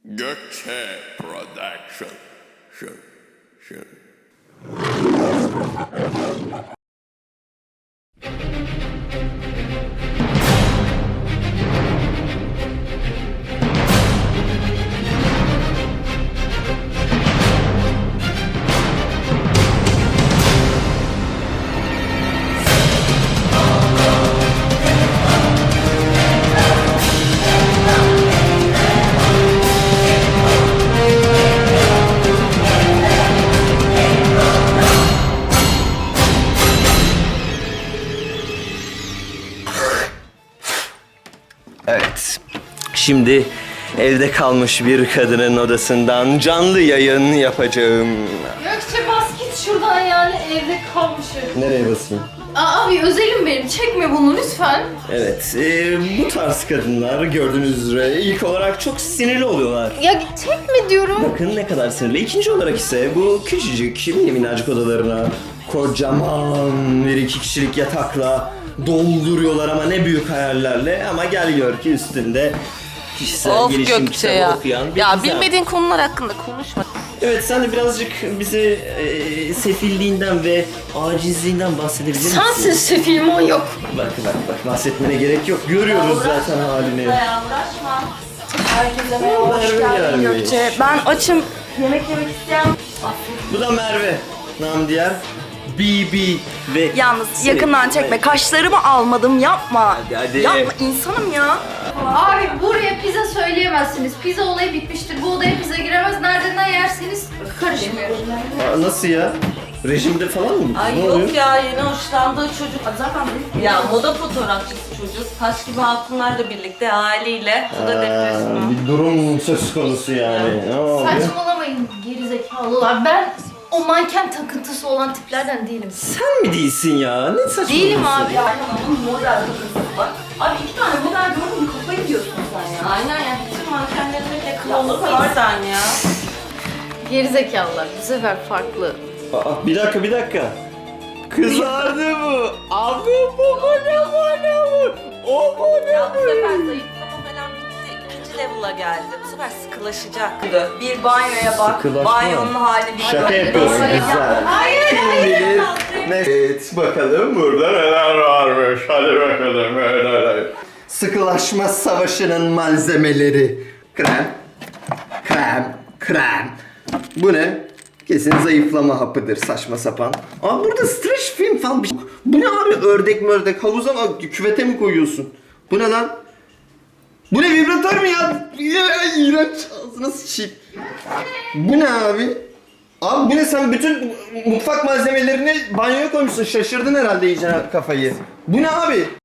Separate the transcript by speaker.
Speaker 1: Gökçe Production. Şu.
Speaker 2: Evet. Şimdi evde kalmış bir kadının odasından canlı yayın yapacağım.
Speaker 3: Gökçe bas git şuradan yani evde kalmışım.
Speaker 2: Nereye basayım?
Speaker 3: Abi özelim benim çekme bunu lütfen.
Speaker 2: Evet, bu tarz kadınlar gördüğünüz üzere ilk olarak çok sinirli oluyorlar.
Speaker 3: Ya çekme diyorum.
Speaker 2: Bakın ne kadar sinirli. İkinci olarak ise bu küçücük, mini minnacık odalarına kocaman bir 2 kişilik yatakla dolduruyorlar ama ne büyük hayallerle, ama gel gör ki üstünde kişisel
Speaker 4: Of
Speaker 2: gelişim
Speaker 4: Gökçe
Speaker 2: kitabı
Speaker 4: ya.
Speaker 2: okuyan bir
Speaker 4: Ya
Speaker 2: kız.
Speaker 4: bilmediğin konular hakkında konuşma.
Speaker 2: Evet, sen de birazcık bize sefilliğinden ve acizliğinden bahsedebilir misin?
Speaker 3: Sensin sefil manyak.
Speaker 2: Bak bahsetmene gerek yok. Görüyoruz zaten halini.
Speaker 4: Ya uğraşma. Herkese merhaba, hoş
Speaker 2: Merve
Speaker 4: geldin
Speaker 2: gelmiş.
Speaker 4: Gökçe. Ben açım. Yemek yemek isteyen...
Speaker 2: Bu da Merve. Nam diğer BB ve...
Speaker 4: Yalnız yakından çekme. Kaşlarımı almadım, yapma.
Speaker 2: Hadi.
Speaker 4: Yapma, insanım ya.
Speaker 3: Abi buraya pizza söyleyemezsiniz. Pizza olayı bitmiştir. Bu odaya pizza giremez. Nereden yerseniz karışmıyor.
Speaker 2: Aa, nasıl ya? Rejimde falan mı?
Speaker 5: Ay
Speaker 2: Ne
Speaker 5: yok
Speaker 2: oluyor?
Speaker 5: ya, yeni hoşlandığı çocuk. Zaten ya moda fotoğrafçısı çocuk. Taş gibi hatunlarla birlikte haliyle. O da depresyon.
Speaker 2: Bir durum söz konusu yani. Ne oluyor?
Speaker 3: Saçmalamayın gerizekalılar. Ben o manken takıntısı olan tiplerden değilim.
Speaker 2: Sen mi değilsin ya? Ne saçmalıyorsun?
Speaker 3: Değilim abi.
Speaker 5: Yani onun model kızı var. Abi 2 tane model gördün mü, kafayı diyorsun sen ya. Aynen ya, bütün mankenlerin de klonu var sen ya.
Speaker 3: Gerizekalılar. Bu sefer farklı.
Speaker 2: Aa, bir dakika. Kızardı bu. Abi bu ne? O bu ne?
Speaker 5: Ya bu sefer zayıflama falan bitti. 2. level'a geldi. Bu sefer sıkılaşacak. Bir banyoya bak.
Speaker 2: Sıkılaşma.
Speaker 5: Banyonun hali bir
Speaker 2: Şaka yapıyorsun, güzel. Kim bilir? Evet, bakalım burada neler varmış. Hadi bakalım. Sıkılaşma savaşının malzemeleri. Krem. Bu ne? Kesin zayıflama hapıdır, saçma sapan. Aa, burada streç film falan bir şey. Bu ne abi? Ördek havuza mı, küvete mi koyuyorsun? Bu ne lan? Bu ne, vibratör mü ya? İğrenç, ağzına sıçayım. Bu ne abi? Abi bu ne, sen bütün mutfak malzemelerini banyoya koymuşsun, şaşırdın herhalde iyice kafayı. Bu ne abi?